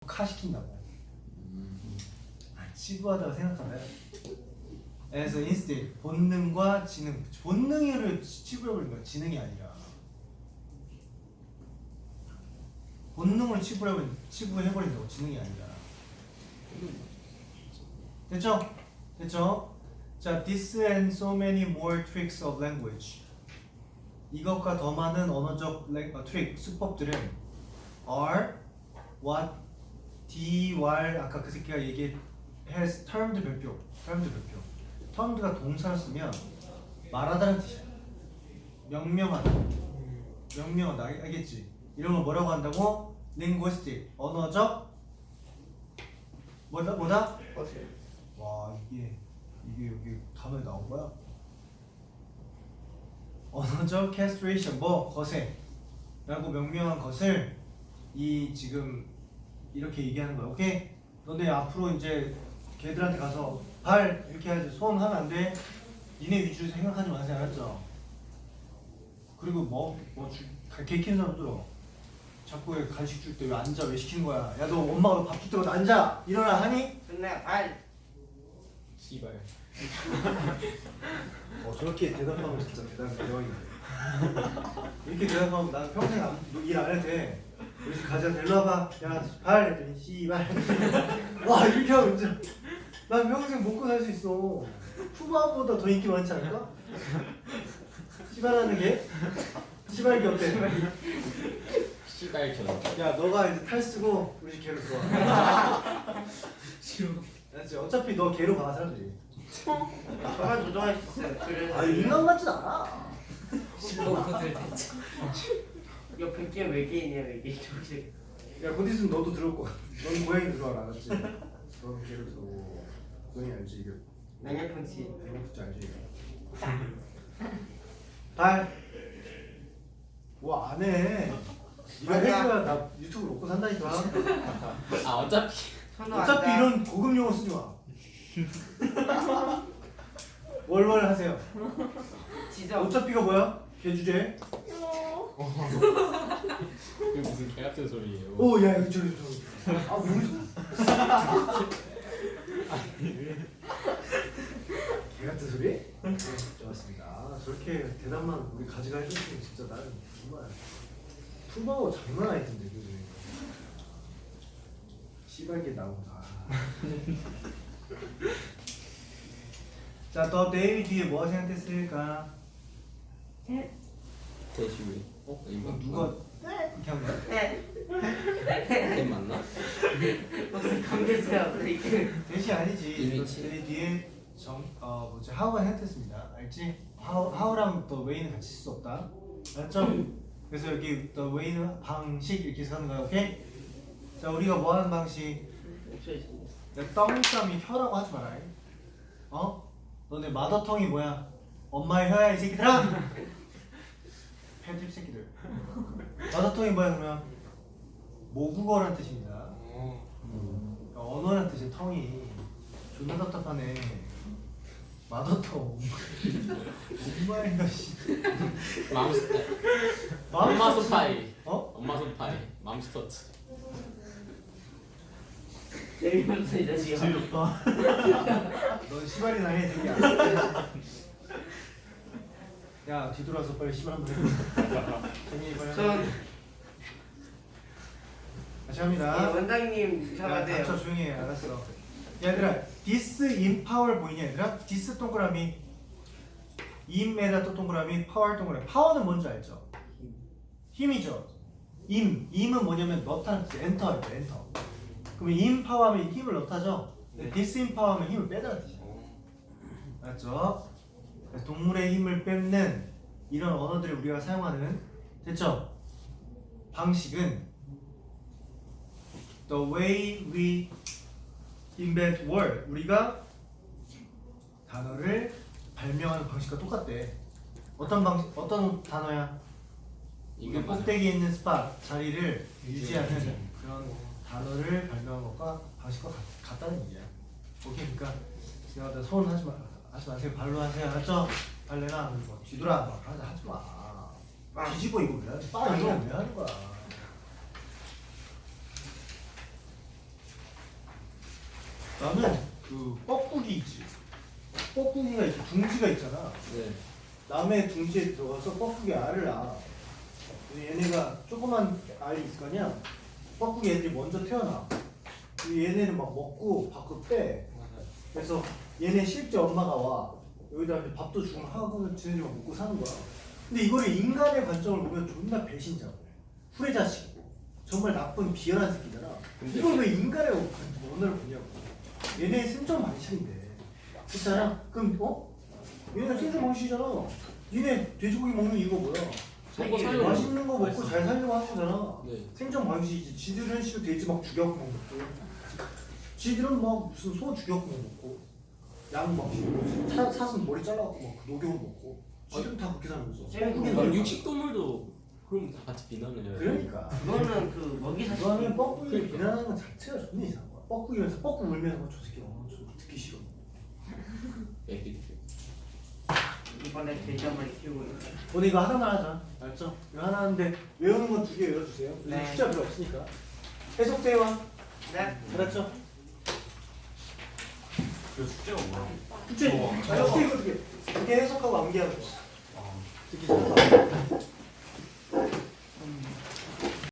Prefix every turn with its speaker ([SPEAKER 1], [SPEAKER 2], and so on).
[SPEAKER 1] 치부화시킨다고. 치부하다고 생각하나요? 그래서 instead 본능과 지능, 본능을 치부해버린 거야. 지능이 아니라 본능을 치부해버린다고, 지능이 아니라. 됐죠? 됐죠? 자, this and so many more tricks of language. 이것과 더 많은 언어적 트릭, 수법들은 are what D-Y 아까 그 새끼가 has termed 별표. termed가 동사를 쓰면 말하다는 뜻이야. 명명하다. 알겠지? 이런 걸 뭐라고 한다고? linguistic, 언어적 뭐다? 와, 이게 여기 단어에 나온 거야? 언어적 castration, 거세라고 명명한 것을 이 지금 이렇게 얘기하는 거야. 오케이? 너네 앞으로 이제 걔들한테 가서 발 이렇게 해야지, 손 하면 안 돼. 니네 위주로 생각하지 마세요. 알았죠? 그리고 개 키는 사람들어 자꾸 왜 간식 줄 때 왜 앉아? 왜 시키는 거야? 야, 너 엄마가 너 밥 줄 때마다 앉아! 일어나 하니?
[SPEAKER 2] 근데 발
[SPEAKER 3] 씨발.
[SPEAKER 1] 저렇게 대답하면 진짜 대박이네. 이렇게 대답하면 난 평생 일 안 해도 돼. 우리 집 가자, 데리러 와봐. 야, 발! 했더니 씨발. 와, 이렇게 하면 진짜 난 평생 먹고 살 수 있어. 푸바보다 더 인기 많지 않을까? 씨발하는 게? 씨발기 어때?
[SPEAKER 3] 씨발견.
[SPEAKER 1] 야, 너가 이제 탈 쓰고 우리 집 개로 들어와.
[SPEAKER 3] 싫어.
[SPEAKER 1] 알았지? 어차피 너 개로 가, 사람들이.
[SPEAKER 2] 저만 조종할 수 있어요. 그래서
[SPEAKER 1] 아, 인간 같진 않아.
[SPEAKER 3] 실버코들 대체.
[SPEAKER 2] 옆에 끼 외계인이야, 외계인 조직.
[SPEAKER 1] 야, 곧 있으면 너도 들어올 거야. 넌 고양이 들어와라, 알았지? 넌 개로 들어오고. 고양이 알지? 이거
[SPEAKER 2] 냉면펀치.
[SPEAKER 1] 대명프지 알지? 발. 뭐 안 해. 이거 해줘야 나 유튜브 먹고 산다니까.
[SPEAKER 3] 아 어차피.
[SPEAKER 1] 어차피 이런 고급 용어 쓰지 마. 월월 하세요.
[SPEAKER 2] 지적.
[SPEAKER 1] 어차피가 뭐야? 개 주제.
[SPEAKER 3] 이게 무슨 개 같은 소리예요.
[SPEAKER 1] 오, 야, 이거 저기. 아, 무슨? 개 같은 소리? 네, 좋았습니다. 저렇게 대답만 우리 가지가 해줬으면 진짜 나는 정말 푸바오 장난 아닐 텐데, 그지? 씨발게 나온다. 자, 더 데이 뒤에 뭐 생각했을까?
[SPEAKER 3] 대시. 이거
[SPEAKER 1] 누가 이렇게 한 거야?
[SPEAKER 3] 걔 맞나?
[SPEAKER 2] 무슨 관계세요, 이게.
[SPEAKER 1] 대시 아니지.
[SPEAKER 3] 이미지.
[SPEAKER 1] 데이 뒤에 하우가 생각했습니다. 알지? 하우랑 더 웨이는 같이 쓸 수 없다. 알았죠? 그래서 여기 더 웨이는 방식 이렇게 해서 하는 거야. 오케이? 자, 우리가 뭐 하는 방식? 야, 떡땀이 혀라고 하지 마라. 너네 마더텅이 뭐야? 엄마의 혀야, 이 새끼들아! 패드립 새끼들. 마더텅이 뭐야, 그러면? 모국어란 뜻입니다. 언어란 뜻이야, 텅이. 존나 답답하네. 마더텅. 엄마인가, 씨.
[SPEAKER 3] 엄마 손파이.
[SPEAKER 1] 어?
[SPEAKER 3] 엄마 손파이. 맘스터치.
[SPEAKER 2] 재미없어, 이 자식아.
[SPEAKER 1] 재미없다. 넌 시발이나 해, 새끼야. 야, 뒤돌아서 빨리 시발 한번 해. 재민이 빨리
[SPEAKER 2] 전
[SPEAKER 1] 다시 합니다.
[SPEAKER 2] 원장님
[SPEAKER 1] 야,
[SPEAKER 2] 잡아야
[SPEAKER 1] 닥쳐,
[SPEAKER 2] 돼요.
[SPEAKER 1] 조용히 해. 알았어. 얘들아, this in power 보이냐, 얘들아? this 동그라미, im에다 또 동그라미, power 동그라미. power는 뭔지 알죠? 힘이죠. im은 뭐냐면 넣다는 뜻, 엔터, 엔터. 그러면 in power 하면 힘을 넣다죠?
[SPEAKER 2] 네.
[SPEAKER 1] this in power 하면 힘을 빼다는 뜻이야. 알았죠? 그래서 동물의 힘을 뺏는 이런 언어들을 우리가 사용하는, 됐죠? 방식은 the way we invent word, 우리가 단어를 발명하는 방식과 똑같대. 어떤 단어야? 이게 꼭대기에 있는 스팟 자리를 유지하는 그런 단어를 발명한 것과 방식과 같다는 얘기야. 오케이, 그러니까 제가 손 하지 마세요. 발로 하세요. 알았죠? 발레나 뭐 뒤돌아 막 하지 마. 뒤집어 이거 왜 하는 거야? 이거 왜 하는 거야? 나는 그 뻐꾸기 있지. 뻐꾸기가 이렇게 둥지가 있잖아.
[SPEAKER 3] 네.
[SPEAKER 1] 남의 둥지에 들어가서 뻐꾸기 알을 낳아. 얘네가 조그만 알이 있을 거 아니야. 뻐꾸기 애들이 먼저 태어나. 얘네는 막 먹고 밖으로 빼. 그래서 얘네 실제 엄마가 와. 여기다 이제 밥도 주고 하고 지네들이 막 먹고 사는 거야. 근데 이거를 인간의 관점을 보면 존나 배신자고 후레자식이고 정말 나쁜 비열한 새끼잖아. 이걸 왜 인간의 언어를 보냐고. 얘네 생존 방식인데 그렇잖아. 그럼 얘네 생존 방식이잖아. 얘네 돼지고기 먹는 이유가 뭐야?
[SPEAKER 3] 먹고 살려고.
[SPEAKER 1] 맛있는 거 먹고
[SPEAKER 3] 맛있어.
[SPEAKER 1] 잘 살려고 하는 거잖아.
[SPEAKER 3] 네.
[SPEAKER 1] 생존 방식이지. 지들은 실은 돼지 막 죽여갖고 먹고 지들은 막 무슨 소 죽여갖고 먹고 양 막 사슴 머리 잘라갖고 막 녹여서 먹고 지들은 다 그렇게 살면서
[SPEAKER 3] 그러니까 육식 동물도 그럼 다 같이 비난을 해요.
[SPEAKER 1] 그러니까
[SPEAKER 2] 그거는 그 먹이 사슬.
[SPEAKER 1] 그거는 뻐꾸기
[SPEAKER 3] 그러니까.
[SPEAKER 1] 비난하는 것 자체가 존나 이상한 거야. 뻐꾸기면서 뻐꾸 울면서 저 새끼 저 듣기 싫어.
[SPEAKER 3] 애기.
[SPEAKER 2] 이번에 돼지 한 마리 키우고 있는.
[SPEAKER 1] 오늘 이거 하나만 하자. 알았죠? 이거 하나 하는데 외우는 건 2개 외워주세요. 요즘
[SPEAKER 2] 네.
[SPEAKER 1] 숫자 별로 없으니까. 해석대화.
[SPEAKER 2] 네.
[SPEAKER 1] 알았죠?
[SPEAKER 4] 그 숙제가 뭐야?
[SPEAKER 1] 숙제. 해석대 이거 2개. 2개 해석하고 암기하는 거. 듣기 싫어.